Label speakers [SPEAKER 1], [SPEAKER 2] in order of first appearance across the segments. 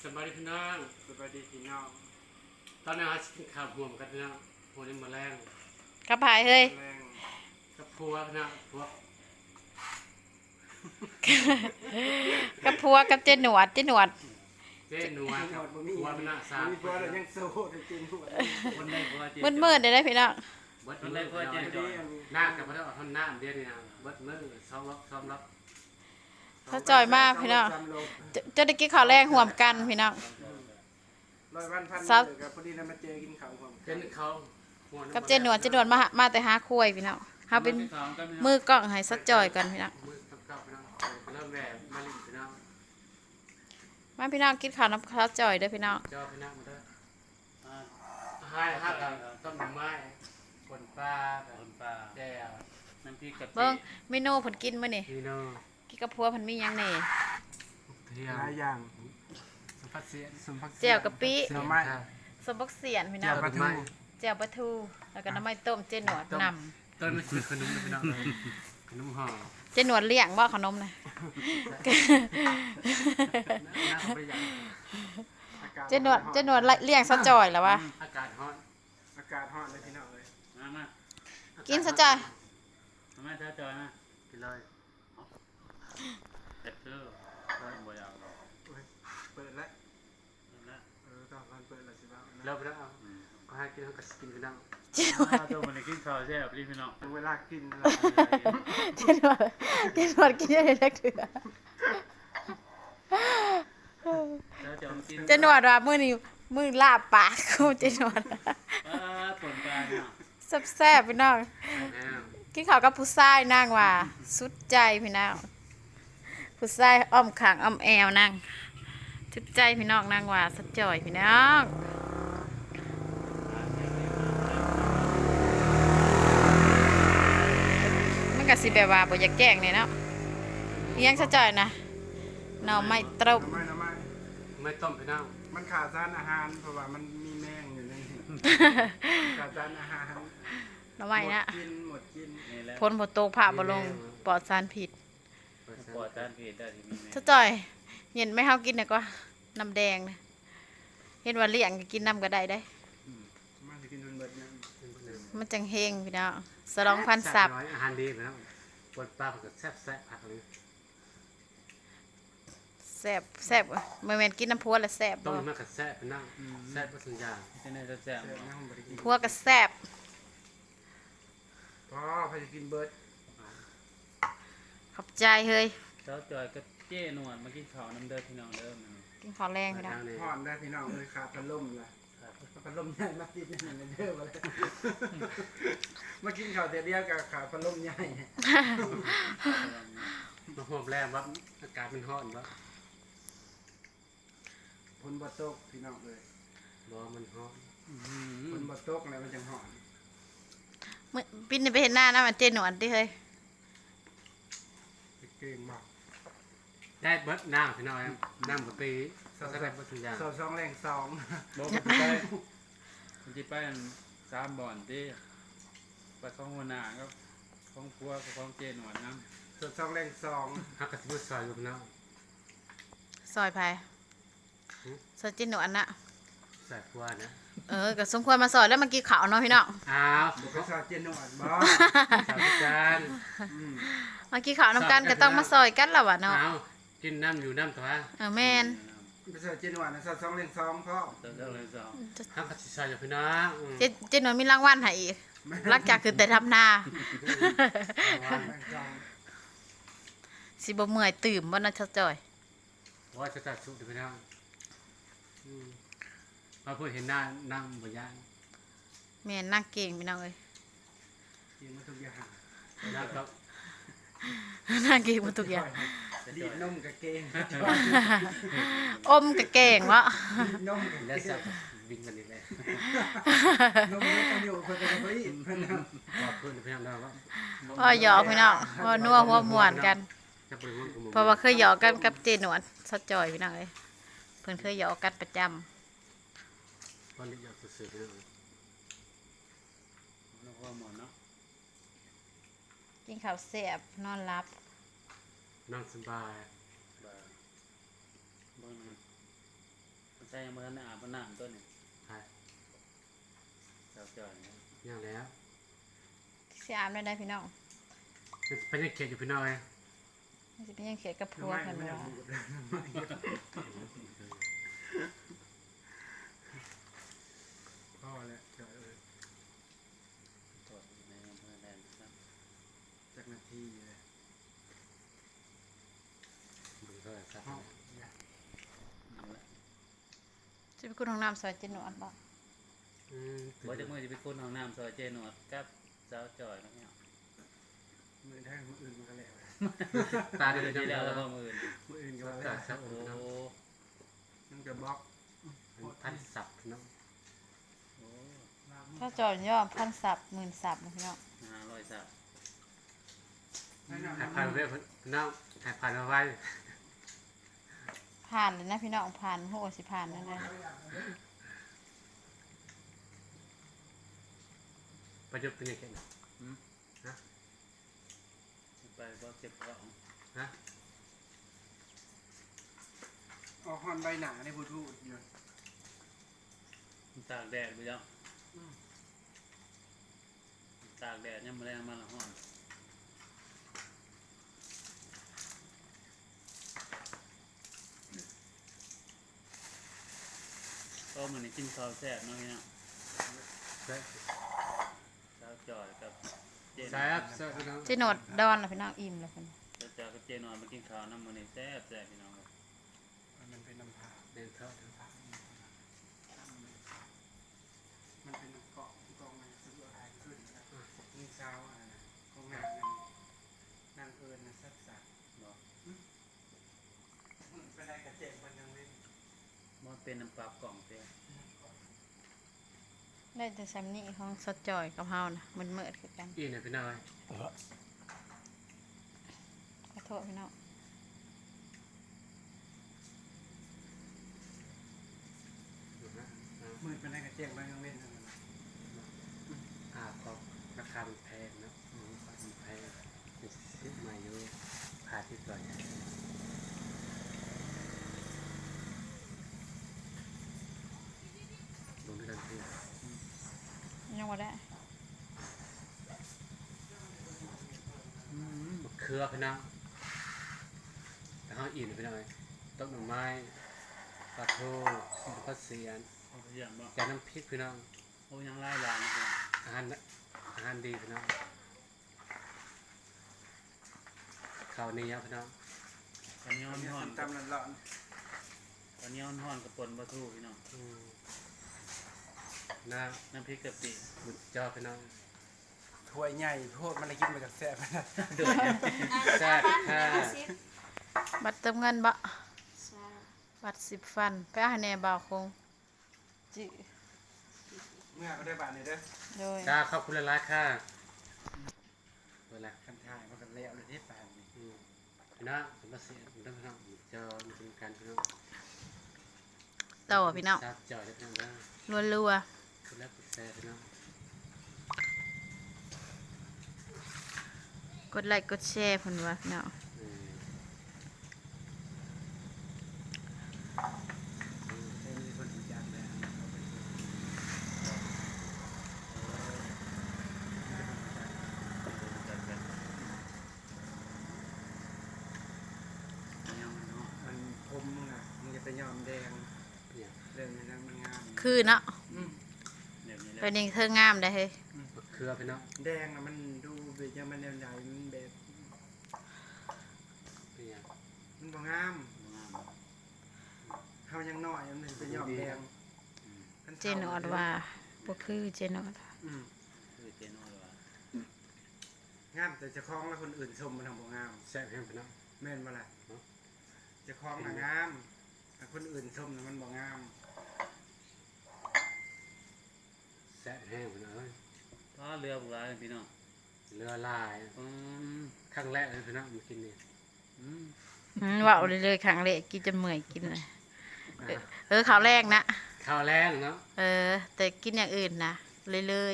[SPEAKER 1] สบายดีพี่น้องสบายดีพี่น้องตอนนี้เรากินข้าวห่วมกันพี่น้องหัวนี้มาแรง
[SPEAKER 2] กับพายเฮ้ย
[SPEAKER 1] แรงกับพัวพี่น้องพัว
[SPEAKER 2] กับพัวกับเจหนวด
[SPEAKER 1] เจ๊หนัวกับพัวพี่น้องสาม
[SPEAKER 3] มีตัวเรายังโซ่จริงๆหัว
[SPEAKER 1] คนได้พัวเจ๊
[SPEAKER 2] มืดๆได้พี่น้อง
[SPEAKER 1] เบิดคนได้พัวเจ๊จอยหน้ากับพระเจ้าท่านหน้าเดียวนี่นะเบิดมือซ้อมรับ
[SPEAKER 2] เขาจ่อยมากพี่น้องจะได้กินข้าวแรงห่วมกันพี่น้อง
[SPEAKER 3] 100 วันพันกับพอดีนะมาเจอกินข้าวความ
[SPEAKER 1] เป็นเขา
[SPEAKER 2] กับเจหนวดมาแต่หาคุยพี่น้องเฮาเป็นมือกล้องให้สักจ่อยกันพี่น้อง
[SPEAKER 1] มือกับพี่น้องเริ่มแหวกมาลิพี่น้อง
[SPEAKER 2] มาพี่น้องกินข้าวน้ำข้าวจ่อยเด้อพี่น้อง
[SPEAKER 1] เจ้าพี่น้องมาด้วยให้ฮักต้นไม้คนปลาแจ่วน้ำพริกกะปิ
[SPEAKER 2] เบิ่งเมนูเพิ่นกินมื้อนี่
[SPEAKER 1] พี่น้อง
[SPEAKER 2] กินกับพัวเพิ่นมีหยังแหน่
[SPEAKER 1] เที่ย
[SPEAKER 3] หลายอย่าง
[SPEAKER 1] สมพัดเสีย
[SPEAKER 3] สมพัก
[SPEAKER 2] แจ่วกะปิ
[SPEAKER 3] เสือไม้
[SPEAKER 2] สมบักเสียนพี่น้
[SPEAKER 3] แจ่
[SPEAKER 2] อง
[SPEAKER 3] วปลาทู
[SPEAKER 2] แจ่วปลาทูแล้วก็น้ำมันต้มเจหนวดนำ
[SPEAKER 1] ต้นมันคือขนมพี่น้องขนมห่อ
[SPEAKER 2] เจหนวดเลี้ยงบ่ขนมน่ะ
[SPEAKER 1] น้ำประหยัด
[SPEAKER 2] เจหนวดเลี้ยงซะจ่อยแล้ววะ
[SPEAKER 1] อากาศร้อน
[SPEAKER 3] อากาศร้อนเลยพี่น้องเลย
[SPEAKER 4] มา
[SPEAKER 2] กินซะจ่อย
[SPEAKER 4] มาถ้าจอยมา
[SPEAKER 1] กินเลย
[SPEAKER 4] เด็ดเด้อก็บ่อยากหรอก
[SPEAKER 3] เปิดแล้ว
[SPEAKER 4] นะ
[SPEAKER 3] ตอนมันเปิดแล้วสิบ้าง
[SPEAKER 1] เริ่มแล้วก็ให้กินเขาก็กินพี่น้อง
[SPEAKER 2] เจหนวด
[SPEAKER 4] ถ้าตัวมันกินข้าวแซ่บรีบพี่น้อง
[SPEAKER 3] เวลากิน
[SPEAKER 2] เจหนวดกินได้เล็กเถื่อ
[SPEAKER 4] แล้วจะกิน
[SPEAKER 2] เจหนวดว่ามื้อลาบปากกูเจหนวด
[SPEAKER 4] ผลปลาเนี่ย
[SPEAKER 2] แซ่บๆพี่น้องกินข้าวกับผู้ชายนางว่าสุดใจพี่น้องผู้ชายอ้อมข้างอ้อมแอวนางสุดใจพี่น้องนางว่าสัดจ่อยพี่น้องมันก็สิแบบว่าบ่อยากแกล้งนี่เนาะเลี้ยงสัดจ่อยนะหน่อไม้ต้ม
[SPEAKER 1] ไม่ต้มพี่น้อง
[SPEAKER 3] มันขาดสารอาหารเพราะว่ามันมีแมงอยู่ในขาดสารอาหาร
[SPEAKER 2] หน่อไม้นะ
[SPEAKER 3] หมดกิน
[SPEAKER 4] นี่แหละ
[SPEAKER 2] พ้นบ่ตกผ่าบ่ลงปลอดสารพิษ
[SPEAKER 4] ปอดด้านเพศได้ที่มีแม่
[SPEAKER 2] สัดจ่อยเห็นไหมเฮากินน่ะก็น้ำแดงนะเห็นว่าเลี้ยงก็กินน้ำก็ได้ได้
[SPEAKER 3] มาจะกินมันเบิดเนี่ย
[SPEAKER 2] มันจังเฮงพี่น้องสลองพันสับ
[SPEAKER 1] อาหารดีพี่น้องปวดปลาก็แซ่บผักเลย
[SPEAKER 2] แซ่บแซ่บบ่แม่นกินน้ำพัวแล้วแซ่บ
[SPEAKER 1] ต้
[SPEAKER 2] บ่
[SPEAKER 1] มมันก็แซ่บพี่น้องแซ่บสัญญา
[SPEAKER 4] ที่นี่จะแซ่บ
[SPEAKER 3] เสือนะผมบ่ได้กิน
[SPEAKER 2] พัวก็แซ่บ
[SPEAKER 3] พอพอจะกินเบิด
[SPEAKER 2] ขอบใจเฮ้ย
[SPEAKER 4] เจ้าจอยก็เจ้หนวดมากินข้าวน้ำเด้อพี่น้องเด้อมัน
[SPEAKER 2] กินข้าวแรงพี่น้อง
[SPEAKER 3] ห่อนได้พี่น้องเลยขาดพัดลมละพัดลมใหญ่มาติดนี่มันเด้อมาเลยมากินข้าวเดียวกับขาดพัดลมใหญ่
[SPEAKER 1] มาหอมแรงว่าอากาศมันร้อนว่า
[SPEAKER 3] ฝนบ่ตกพี่น้องเลย
[SPEAKER 1] บ่มันร้อน
[SPEAKER 3] ฝนบ่ตกแล้วมันจังห่อน
[SPEAKER 2] มื้อปิ่นนี่ไปเห็นหน้านะมันเจหนวดดิเฮ้ย
[SPEAKER 3] เก่งมาก
[SPEAKER 1] ได้เบิดน้ำพี่น้องน้ำกะปิแซ่บสัญญา
[SPEAKER 3] สองแรงสอง
[SPEAKER 4] บอกมันจะไป3บ่อนที่ไปของหัวหน้าก็ของครัวกับของเจ้หนวดน้ำ
[SPEAKER 3] สองแรงสอง
[SPEAKER 1] ฮักกะทิซอยอยู่พี่น้อง
[SPEAKER 2] ซอยไผซอยเจหนวดน่ะ
[SPEAKER 1] ใส่พัวนะ
[SPEAKER 2] ก็สมควรมาซอยแล้วมากินข้าวเนาะพี่น้อง
[SPEAKER 1] อ้าว
[SPEAKER 3] บุกซาเจนหนวดบ่
[SPEAKER 1] สาวจาน
[SPEAKER 2] มากินข้าวนํกันก็ต้องมาซอยกันแล้ววะเนาะ
[SPEAKER 1] อ้าวกินน้ำอยู่น้ำตัว
[SPEAKER 2] แม่น
[SPEAKER 3] บุกซาเจนหนวดนะสองแรงสองพ่อ
[SPEAKER 4] เจ้าเลยสอง
[SPEAKER 1] ฮักกะทิซอยอยู่พี่น้อง
[SPEAKER 2] เจหนวดมีรางวัลให้อีกหลังจากคือแต่ทำนา
[SPEAKER 3] แรงสอง
[SPEAKER 2] สิบ่เมื่อยตื่มบ่นะซะจ่อย
[SPEAKER 1] ว่าจะตัดสุกพี่น้องมาพูดเห็นหน้านั่งบนย่าง
[SPEAKER 2] แม่นนั่งเก่งพี่น้องเอ้ย
[SPEAKER 3] กินมาทุกอย่าง
[SPEAKER 1] แล้วก็
[SPEAKER 2] นั่งเก่งหมดทุกอย่าง
[SPEAKER 3] ดีดนมกับเกง
[SPEAKER 2] อมก็เก่งวะ
[SPEAKER 3] ดีดนมกับ
[SPEAKER 1] แล้ว
[SPEAKER 3] เก
[SPEAKER 1] สั
[SPEAKER 3] ง
[SPEAKER 1] บวิ่งกันอีกเลย
[SPEAKER 3] นมไม่ต้องอยู่คนจะไปอีกเพื่อนนะ
[SPEAKER 1] ขอบคุณพี่น้องเราว่า
[SPEAKER 2] พ่อหยอกพี่น้องพ่อนัวหัวม่วนกัน
[SPEAKER 1] จะไปมุ่งกับมุม
[SPEAKER 2] เพราะว่าเคยหยอกกันกับเจหนวดซะจ่อยพี่น้องเอ้ยเพิ่นเคยหยอกกันประจำ
[SPEAKER 1] วันนี้อยากสื่อพี่น้อง
[SPEAKER 4] แล้วก็หมดเนาะ
[SPEAKER 2] กินข้าวแซ่บนอนหลับ
[SPEAKER 1] นั่งสบาย
[SPEAKER 4] บ่ใส่ยังบ่ทันได้อาบน้ำตัวนี้
[SPEAKER 1] ใช่
[SPEAKER 4] เจ้าจ่อยเนี่ย
[SPEAKER 1] ยังแล้ว
[SPEAKER 2] สิอาบได้พี่น้อง
[SPEAKER 1] เป็นยังเขียนอยู่พี่น้อย
[SPEAKER 2] มันสิเป็นยังเขียดกับพั
[SPEAKER 3] น้ำ
[SPEAKER 2] ว
[SPEAKER 3] ไม้
[SPEAKER 2] กัน
[SPEAKER 3] ไม่ได้
[SPEAKER 2] ว่า
[SPEAKER 3] บูดเลยน้ำไม้พ่อแล้วเจอ
[SPEAKER 4] ตรวจในอำเภอแลนด์ครับ
[SPEAKER 3] จากนาทีเลย
[SPEAKER 1] ดูเท่าไหร่ครับ
[SPEAKER 3] ห้อง
[SPEAKER 4] นั่นแหละ
[SPEAKER 2] จะไปคุณห้องน้ำซอยเจนหนวดบ่
[SPEAKER 4] บ่จักมื้อสิไปคุ้นห้องน้ำซอยเจหนวดกับสาวจ่อยเนาะเนี่ย
[SPEAKER 3] มือแท่งมืออื่นมันก็แล้ว
[SPEAKER 1] ตาดี
[SPEAKER 4] เดือน
[SPEAKER 1] จั
[SPEAKER 4] ที่
[SPEAKER 1] ง
[SPEAKER 4] แล้ว
[SPEAKER 1] แล้
[SPEAKER 4] แล้ว วก็มื้ออื่น
[SPEAKER 3] มืออื่นก็
[SPEAKER 1] ตา
[SPEAKER 3] แล้ว
[SPEAKER 1] สับ
[SPEAKER 4] โอ้
[SPEAKER 3] มันก็บล็อก
[SPEAKER 1] พันสับเนาะ
[SPEAKER 4] โอ้
[SPEAKER 2] ถ้าจอดย่อ1,000 ศัพท์10,000 ศัพท์นะพี่น้อง
[SPEAKER 4] 500สับ
[SPEAKER 3] ให้น้ำ
[SPEAKER 1] หาย
[SPEAKER 3] น้ำ
[SPEAKER 1] พันไว้พี่น้องหายพันเอาไว้
[SPEAKER 2] ผ่านเลยนะพี่น้องผ่านโหสิผ่านนั่นนะ
[SPEAKER 1] ประยุกต์เป็นยังไง
[SPEAKER 4] ไปบ่เก็บของ
[SPEAKER 1] ฮะ
[SPEAKER 3] ออกฮอนใบหนาในบูทูธอยู่
[SPEAKER 4] ตากแดดไปแล้วตากแดดยังมาแรงมาละห้อนก็มันนี่กินข้าวแซ่บเนาะเนี่ย
[SPEAKER 1] แซ่บ
[SPEAKER 4] สาวจ่อยกับเจน
[SPEAKER 1] แซ่บพี่น้อง
[SPEAKER 2] เจนหนวดดอนนะพี่น้องอิ่มเลยเพิ่น
[SPEAKER 4] สาวจ่อยกับเจนอนมากินข้าวน้ำมันนี่แซ่บแซ่บพี่น้องครับ
[SPEAKER 3] มันเป็นน้ำผา
[SPEAKER 1] เดินเข้า
[SPEAKER 3] มันเป็นเกาะกองมันซื้ออะไรขึ้นนี่เช้าอะไรนะของนางนางเอิญนะสักสัก
[SPEAKER 4] บอก
[SPEAKER 3] เป็นอะไรกระเจ็บมันยังเล่น
[SPEAKER 4] มันเป็นน้ำปลากล่องเต้
[SPEAKER 2] ได้แต่แซมนี่ของสดจอยกับเฮานะมันเมิดคือกัน
[SPEAKER 1] อีเนี่ยพี่น้อย
[SPEAKER 2] ขอโทษพี่น้อง
[SPEAKER 3] มือเป็นอะไรกระเจ็บมันยังเล่น
[SPEAKER 1] ก็ราคามันแพงเนาะมันแพงซื้อมาอยู่พาที่ก่อนลงด้วยกันพี่
[SPEAKER 2] ยังบ่ได้
[SPEAKER 1] มะเขือพี่น้องแล้วเขาอิ่มพี่น้อยต้มหน่อไม้ปลาทูปลาเสียน
[SPEAKER 4] เอาไปอย่างบ่
[SPEAKER 1] แกงน้ำพริกพี่น้อง
[SPEAKER 4] โอ้ยังไล่ลานนะ
[SPEAKER 1] อาหารดีพี่น้องข้าวเหนียวพี่น้อง
[SPEAKER 4] ตอนนี้ห่อน
[SPEAKER 3] ตำร้อน
[SPEAKER 4] ตอนนี้ห่อนกับปนปลาทูพี่น้อง
[SPEAKER 1] น้
[SPEAKER 4] น้ำพริกกะปิ
[SPEAKER 1] ำบุญจอพี่น้อง
[SPEAKER 3] ถ้วยใหญ่โทษมันอะไรกินมาจากแซ่บนะ
[SPEAKER 1] แซ่บค่ะ
[SPEAKER 2] บัตรเติมเงินบ่บัตร10 ฟันไปเอาให้แน่บ่าวคงจิ
[SPEAKER 3] เมื่อก็ได้บาทนี่เด้อ
[SPEAKER 2] โดย
[SPEAKER 1] จ้าขอบคุณหลายๆค่ะเวลา
[SPEAKER 3] คันทายมันก็เละเลยที่ปานนี่
[SPEAKER 1] พี่น้องผมมาเสียผมต้องพี่น้องบุญจอมีเป็นการพี่น้อง
[SPEAKER 2] ต่อพี่น้อง
[SPEAKER 1] ทราบจอยได้พี่น้องได้
[SPEAKER 2] รัว
[SPEAKER 1] คุณแล้วกดแชร์พี่น้อง
[SPEAKER 2] ๆกดไลค์กดแชร์เพิ่นว่าพี่น้อง
[SPEAKER 3] มีคนรู้จักแล้ว
[SPEAKER 4] จัดกันเนี่ยมันเนาะ
[SPEAKER 3] มันพรมมึงอ่ะมึงจะไปยอมแดง
[SPEAKER 1] เนี่ย
[SPEAKER 3] เรื่องนี้นะมันงาม
[SPEAKER 2] คือเนาะ
[SPEAKER 4] เดี๋ยวนี้แหละ
[SPEAKER 2] เป็นเองเธองามได้เฮ้ย
[SPEAKER 1] มะเขือพี่น้อง
[SPEAKER 3] แดงอ่ะมันดูแบบยังมันแนวใหญ่มันแบบ
[SPEAKER 1] เป็นยัง
[SPEAKER 3] มันบ่งาม
[SPEAKER 4] งาม
[SPEAKER 3] เขายังน้อยมันไปยอมแดง
[SPEAKER 2] เจนอดว่าบ่คือเจนอด
[SPEAKER 4] คือเจนอดว่าง
[SPEAKER 3] ามแต่เจะคล้าของแล้วคนอื่นชมมันทำบ่งาม
[SPEAKER 1] แซ่บแห้งพี่น้อง
[SPEAKER 3] แม่นบ่ล่ะเจะคล้าของน่ะงามแต่คนอื่นชมน่ะมันบ่งาม
[SPEAKER 1] แซ่บแห้งพี่น้องเอ้ย
[SPEAKER 4] ก็เรือบุกร้ายพี่น้อง
[SPEAKER 1] เรือลาย
[SPEAKER 4] อืม
[SPEAKER 1] ครั้งแรกเลยพี่น้องมากินนี่
[SPEAKER 4] อืม
[SPEAKER 2] เว้าเลยๆครั้งแรกกินจนเมื่อยกินเลยข้าวแรกนะ
[SPEAKER 1] ข้าวแรงเนาะ
[SPEAKER 2] แต่กินอย่างอื่นนะเลย
[SPEAKER 1] แม่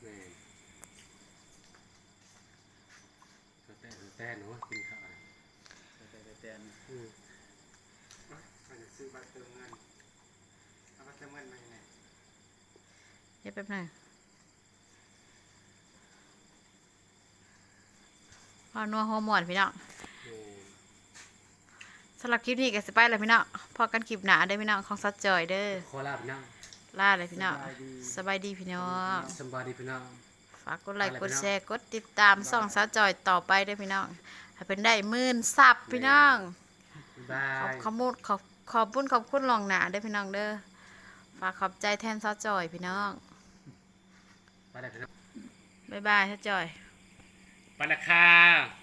[SPEAKER 1] แต่หนูกินข้าว
[SPEAKER 4] แต่
[SPEAKER 1] อืม
[SPEAKER 3] มันจะซื้อบัตรเติมเงิน
[SPEAKER 1] จะมันมาไหน
[SPEAKER 2] เดี๋ยวแป๊บหนึงพอนัวหัวหมอนพี่น้องสำหรับคลิปนี้ก็สิไปแล้วพี่น้องพอกันคลิปหนาเด้อพี่น้องของซัดจอยเด้อ
[SPEAKER 1] ขอลาพี่น้อง
[SPEAKER 2] ลาเลยพี่น้องสบายดีพี่น้อง
[SPEAKER 1] สบายดีพี่น้อง
[SPEAKER 2] ฝากกดไลค์กดแชร์กดติดตามส่องซัดจอยต่อไปเด้อพี่น้องให้เป็นได้10,000 ซับพี่น้อง
[SPEAKER 1] บา
[SPEAKER 2] ขอย บคุณขอบคุณลองหนาเด้อพี่น้องเด้อฝากขอบใจแทนซัดจอยพี่น้อง
[SPEAKER 1] ไปแล้วพี่น้อง
[SPEAKER 2] บ๊ายบายซัดจอย
[SPEAKER 1] ไปแล้วค่ะ